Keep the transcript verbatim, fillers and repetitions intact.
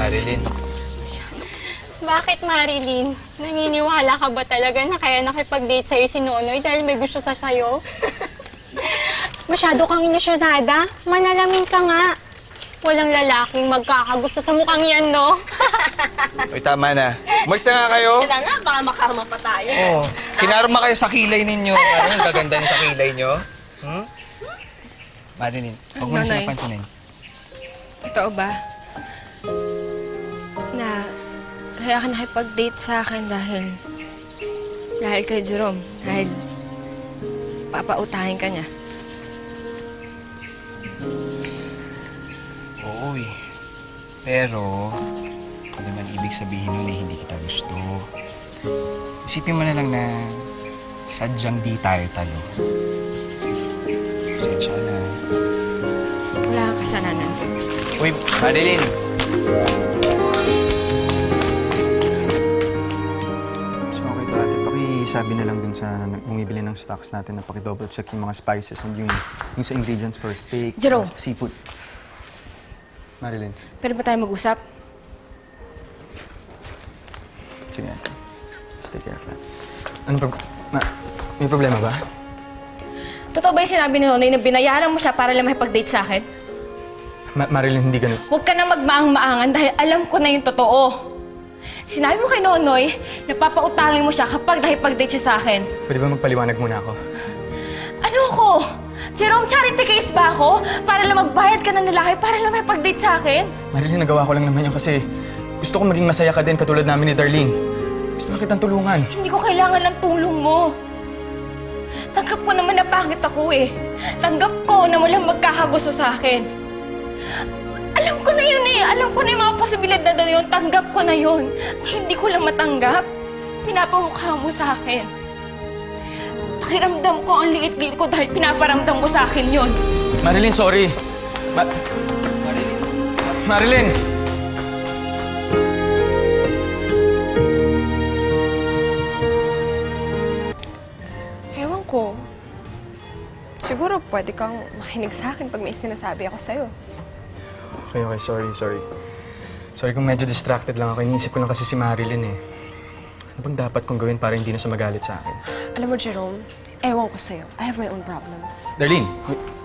Marilyn. Bakit, Marilyn? Naniniwala ka ba talaga na kaya nakipag-date sa'yo si Nonoy dahil may gusto sa sa'yo? Masyado kang inisyonada. Manalamin ka nga. Walang lalaking magkakagusto sa mukhang yan, no? Uy, tama na. Umalis na nga kayo. Kaya nga, baka makarma pa tayo. Oo. Kinarma kayo sa kilay ninyo. Ano yung gaganda niyo sa kilay niyo? Hmm? Marilyn, huwag mo na sila Nonoy. pansinin. Totoo ba? Na kaya ka nakipag-date sa akin dahil... Dahil kay Jerome. Dahil papautahin ka niya. Oo eh. Pero, hindi naman ibig sabihin nun na hindi kita gusto. Isipin mo na lang na sadyang di tayo talo. Pasensya na. Wala kang kasalanan. Uy, Marilyn! So, okay to ate. Pakisabi na lang dun sa bumibili ng stocks natin na paki-double check yung mga spices and yung, yung sa ingredients for steak, Jerome. uh, seafood. Marilyn. Pwede ba tayo mag-usap? Sige ate. Stay careful. Ano pro... Ma... May problema ba? Totoo ba yung sinabi ni Nonoy na binayaran mo siya para lang makipag-date sa akin? Ma Marilyn, hindi ganun. Huwag ka na magmaang-maangan dahil alam ko na yung totoo. Sinabi mo kay Nonoy na papautangin mo siya kapag nakipag-date siya sa akin. Pwede ba magpaliwanag muna ako? Ano ko? Jerome, charity case ba ako? Para lang magbayad ka ng lalaki para lang makipag-date sa akin? Marilyn, nagawa ko lang naman yun kasi gusto ko maging masaya ka din katulad namin ni Darlene. Gusto na kitang tulungan. Hindi ko kailangan ng tulong mo. Tanggap ko naman na pangit ako eh. Tanggap ko na walang magkakagusto sa akin. Alam ko na yun eh. Alam ko na yung mga posibilidad na yun. Tanggap ko na yun. Ang hindi ko lang matanggap, pinapamukha mo sa akin. Pakiramdam ko ang liit-liit ko dahil pinaparamdam mo sa akin yun. Marilyn, sorry. Ma Marilyn. Marilyn! Ewan ko. Siguro pwede kang makinig sa akin pag may sinasabi ako sa'yo. Okay, okay. Sorry, sorry. Sorry kung medyo distracted lang ako. Iniisip ko lang kasi si Marilyn eh. Ano bang dapat kong gawin para hindi na siya magalit sa akin? Alam mo, Jerome, ewan ko sa'yo. I have my own problems. Darlene, wait.